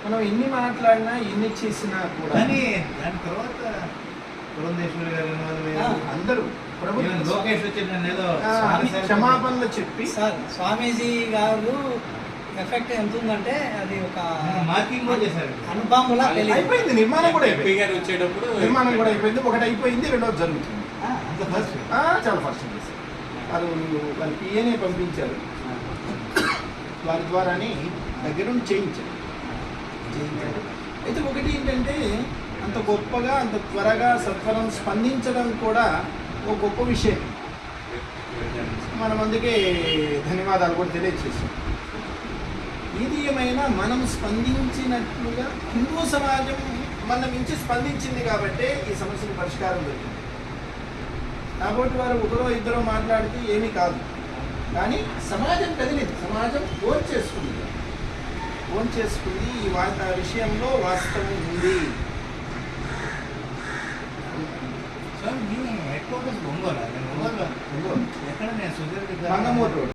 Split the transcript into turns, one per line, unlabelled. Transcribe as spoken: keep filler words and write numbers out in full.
మనం ఎన్ని మాట్లాడినా ఎన్ని చేసినా కూడా
కానీ దాని తర్వాత పురంధేశ్వరి గారు
అందరూ
లోకేష్ వచ్చి నన్ను ఏదో
క్షమాపణలు చెప్పి
సార్ స్వామీజీ గారు ఎఫెక్ట్ ఎంత ఉందంటే అది ఒక
మార్కింగ్ కూడా చేశారు.
అనుభవంలా
అయిపోయింది, నిర్మాణం కూడా అయిపోయింది.
గారు వచ్చేటప్పుడు
నిర్మాణం కూడా అయిపోయింది. ఒకటి అయిపోయింది, రెండోది జరుగుతుంది.
అంత ఫస్ట్
చాలా ఫస్ట్ చేశారు. వాళ్ళు వాళ్ళ పిఏనే పంపించారు, వారి ద్వారానే దగ్గరుండి చేయించారు చేయించారు అయితే ఒకటి ఏంటంటే అంత గొప్పగా అంత త్వరగా సత్వరం స్పందించడం కూడా ఒక గొప్ప విషయం. మనం అందుకే ధన్యవాదాలు కూడా తెలియజేసాం. ఇది ఏమైనా మనం స్పందించినట్లుగా హిందూ సమాజం మన మించి స్పందించింది కాబట్టే ఈ సమస్యకు పరిష్కారం దొరికింది. కాబట్టి వారు ఒకరో ఇద్దరో మాట్లాడితే ఏమీ కాదు, కానీ సమాజం కదిలింది, సమాజం ఓన్ చేసుకుంది ఓన్ చేసుకుంది ఈ వా విషయంలో వాస్తవం ఉంది.
సార్ మీ హెడ్ క్వార్టర్స్ ఒంగోలు ఒంగోలు
ఒంగోలు
ఎక్కడ నేను సుధీర్
మంగమూరు రోడ్